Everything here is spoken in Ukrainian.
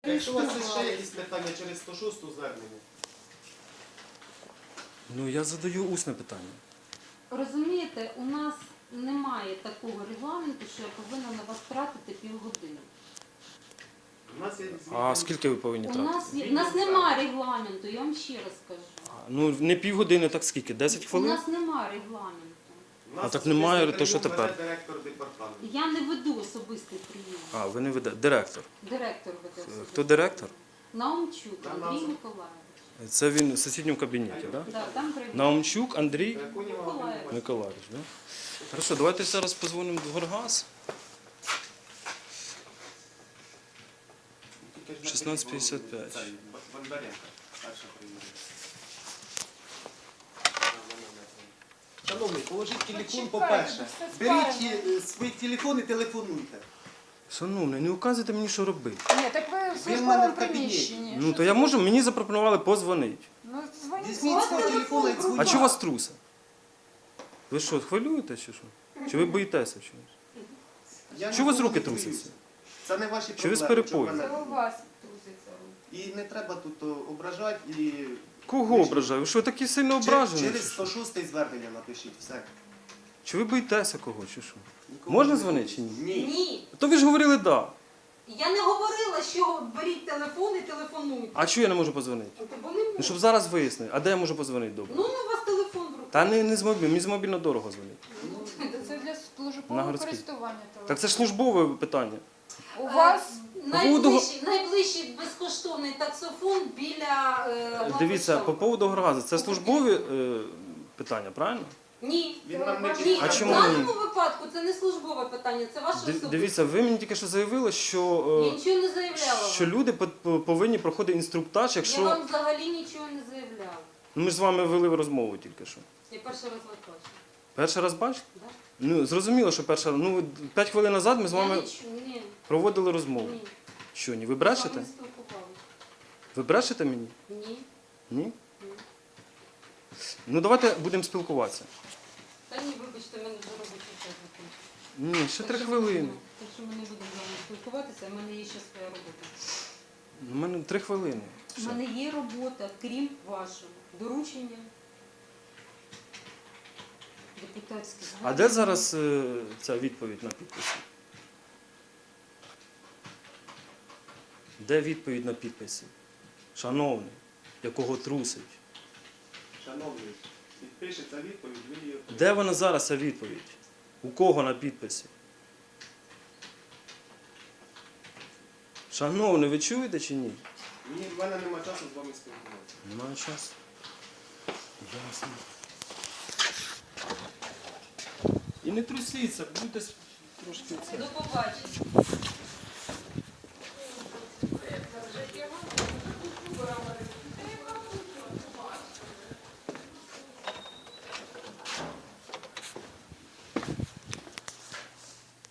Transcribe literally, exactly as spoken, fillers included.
Якщо у вас є ще якісь питання через сто шосту звернення? Ну, я задаю усне питання. Розумієте, у нас немає такого регламенту, що я повинна на вас тратити півгодини. У нас є А скільки ви повинні У тратити? нас, є- у нас немає регламенту, я вам ще раз кажу. А, Ну, не півгодини, так скільки? десять У хвилин? нас немає регламенту. У нас А так особистий немає, прийом то що веде тепер? Директор департаменту. Я не веду особистий прийом. А, ви не ведете. Директор. Директор веде особистий. Хто директор? Наумчук Та Андрій назва. Миколаївич. Це він в сусідньому кабінеті, так? Да? Да, там прийде. Наумчук Андрій Драконєва Миколаїв. Володимир. Миколаївич, так? Да? Хорошо, давайте зараз позвонимо в Горгаз. Тільки ж шістнадцять п'ятдесят п'ять. Цей, Бондаренко, перша приїде. Шановний, положіть телефон, Почекайте, по-перше. це Беріть спарено. е, свій телефон і телефонуйте. Шановний, не указуйте мені, що робити. Ні, так ви в в мене службовому в кабінеті. приміщенні. Ну, Що то я це? можу, мені запропонували позвонити. Ну, дзвоніть. Візьміть свого телефона і А дзвоніть. чого у вас труса? Ви що, хвилюєте чи що? Чи ви боїтеся чогось? Я Чого у вас ніколи руки не боюся. трусяться? Це не ваші Чи ви з проблеми. перепою? чого Це мене- у вас труситься руки. І не треба тут о, ображати і... Кого ображаю? Ви що, такі сильно ображені? Через чи сто що? шосте звернення напишіть, все. Чи ви боїтеся кого, чи що? Нікого Можна не дзвонити чи ні? Ні. Ні. То ви ж говорили да. Я не говорила, що беріть телефон і телефонуйте. А чого я не можу позвонити? Бо не Ну, можу. щоб зараз вияснити. А де я можу позвонити добре? Ну, у вас телефон в руках. Та не, не з мобільного, мені з мобільно дорого дзвонити. Це для На службового городській. користування. Так це ж службове питання. У вас Е, найближчий, найближчий безкоштовний таксофон біля... Е, Дивіться, по Главкоштову. поводу Горгазу, це службові е, питання, правильно? Ні. Він нам не Ні, А в чому даному випадку це не службове питання, це ваше Ди- особисте. Дивіться, ви мені тільки що заявили, що, Я е, нічого не заявляла що вам. люди по- по- повинні проходити інструктаж, Я якщо... вам взагалі нічого не заявляла. Ну, ми ж з вами вели розмову тільки що. Я перший раз вас бачила. Перший раз бачите? Да? Ну, зрозуміло, що перша... Ну, п'ять хвилин назад ми з Я вами не чую, ні, проводили розмову. ні. Що, ні? Ви З брешете? вами не спілкувалася. Ви брешете мені? Ні. Ні? Ні. Ну, давайте будемо спілкуватися. Та ні, вибачте, мене вже робочий час закінчився. Ні, ще Так три що хвилини. ми- Так що ми не будемо з вами спілкуватися, в мене є ще своя робота. У мене три хвилини. У Все. мене є робота, крім вашого. Доручення. Депутатські А звернення. де зараз е, ця відповідь на підписи? Де відповідь на підписи? Шановний, якого трусить? Шановний, підпишеться відповідь, ви її... Де вона зараз, ця відповідь? У кого на підписі? Шановний, ви чуєте чи ні? Ні, в мене нема часу з вами спілкуватися. Немає часу. Ясно. І не трусіться, будьте трошки це. До побачення.